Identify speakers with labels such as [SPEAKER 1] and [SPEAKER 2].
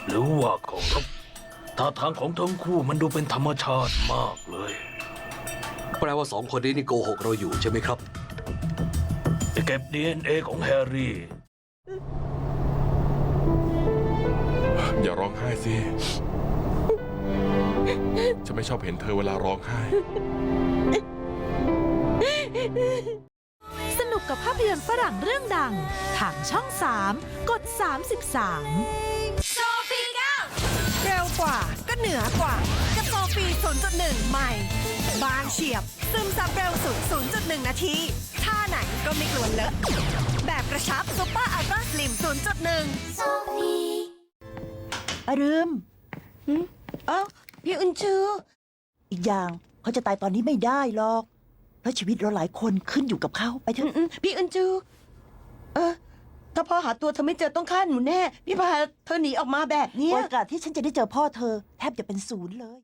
[SPEAKER 1] หรือว่าเคารพท่าทางของทั้งคู่มันดูเป็นธรรมชาติมากเลย
[SPEAKER 2] แปลว่าสองคนนี้นี่โกหกเราอยู่ใช่ไหมครับ
[SPEAKER 1] ไปเก็บ DNA ของแฮร์รี่
[SPEAKER 3] อย่าร้องไห้สิฉันไม่ชอบเห็นเธอเวลาร้องไห้
[SPEAKER 4] สนุกกับภาพยนตร์ฝรั่งเรื่องดังทางช่อง 3 กด 33
[SPEAKER 5] เร็วกว่าก็เหนือกว่ากับโซฟี 0.1 ใหม่ บางเฉียบ ซึมซับเร็วสุด 0.1 นาที ท่าไหนก็ไม่กลัวเลอะ แบบกระชับซุปเปอร์อัลตร้าสลิม 0.1
[SPEAKER 6] อารึม
[SPEAKER 5] เอ้าพี่อุนจู
[SPEAKER 6] อีกอย่างเขาจะตายตอนนี้ไม่ได้หรอก เพราะชีวิตเราหลายคนขึ้นอยู่กับเขาไปเถอะ
[SPEAKER 5] พี่อุนจูถ้าพ่อหาตัวเธอไม่เจอต้องฆ่าหนูแน่ พี่พาเธอหนีออกมาแบบเนี้ย
[SPEAKER 6] โอกาสที่ฉันจะได้เจอพ่อเธอแทบจะเป็นศูนย์เลย